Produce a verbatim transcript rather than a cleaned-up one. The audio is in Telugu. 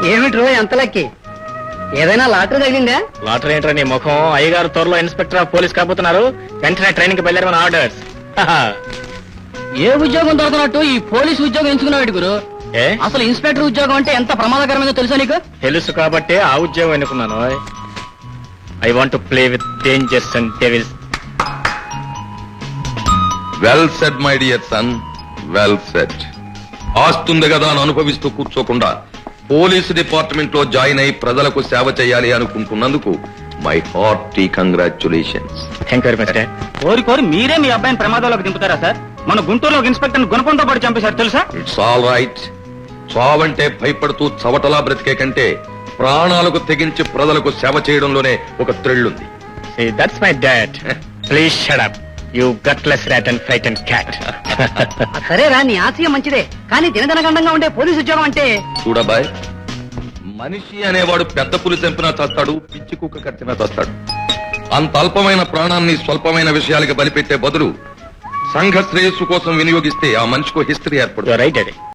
ఏమిట్రో ఎంత లక్కి? ఏదైనా లాటరీ తగిలిందా? లాటరీ ఏంట్రా నీ ముఖం? అయ్యగారు త్వరలో ఇన్స్పెక్టర్ ఆఫ్ పోలీస్ కాబోతున్నారు. వెంటనే ట్రైనింగ్ కి బయలుదేరమని ఆర్డర్స్. ఏ ఉద్యోగం దొరకనట్టు ఈ పోలీస్ ఉద్యోగం ఎంచుకున్నాడు గురు. ఏ అసలు ఇన్స్పెక్టర్ ఉద్యోగం అంటే ఎంత ప్రమాదకరమైందో తెలుసా నీకు? తెలుసు కాబట్టి ఆ ఉద్యోగం ఎన్నుకున్నాను. I want to play with dangers and devils. Well said my dear son, well said. ఆస్తుంది కదా అని అనుభవిస్తూ కూర్చోకుండా పోలీసు డిపార్ట్మెంట్ లో జాయిన్ అయి ప్రజలకు సేవ చేయాలి అనుకుంటున్నందుకు my hearty congratulations. Thank you very much. కోరి కోరి మీరే మీ అబ్బాయిని ప్రమాదంలోకి దింపుతారా సార్? మన గుంటూరులో ఇన్స్పెక్టర్ గుణపంతో పాటు చంపేశారు తెలుసా? It's all right. చావంటే భయపడుతూ చవటలా బ్రతికే కంటే ప్రాణాలకు తెగించి ప్రజలకు సేవ చేయడంలోనే ఒక థ్రిల్ ఉంది. That's my dad. Please shut up you gutless rat and frightened cat. సరేరా, నీ ఆశయం మంచిదే, కానీ దినదనగండంగా ఉండే పోలీసు ఉద్యోగం అంటే చూడబాయ్, మనిషి అనేవాడు పెద్ద పులి చంపినా చస్తాడు, పిచ్చి కుక్క కట్టినా చస్తాడు. అంత అల్పమైన ప్రాణాన్ని స్వల్పమైన విషయాలకి బలిపెట్టే బదులు సంఘ శ్రేయస్సు కోసం వినియోగిస్తే ఆ మనిషికో హిస్టరీ ఏర్పడుతుంది. రైట్ అది.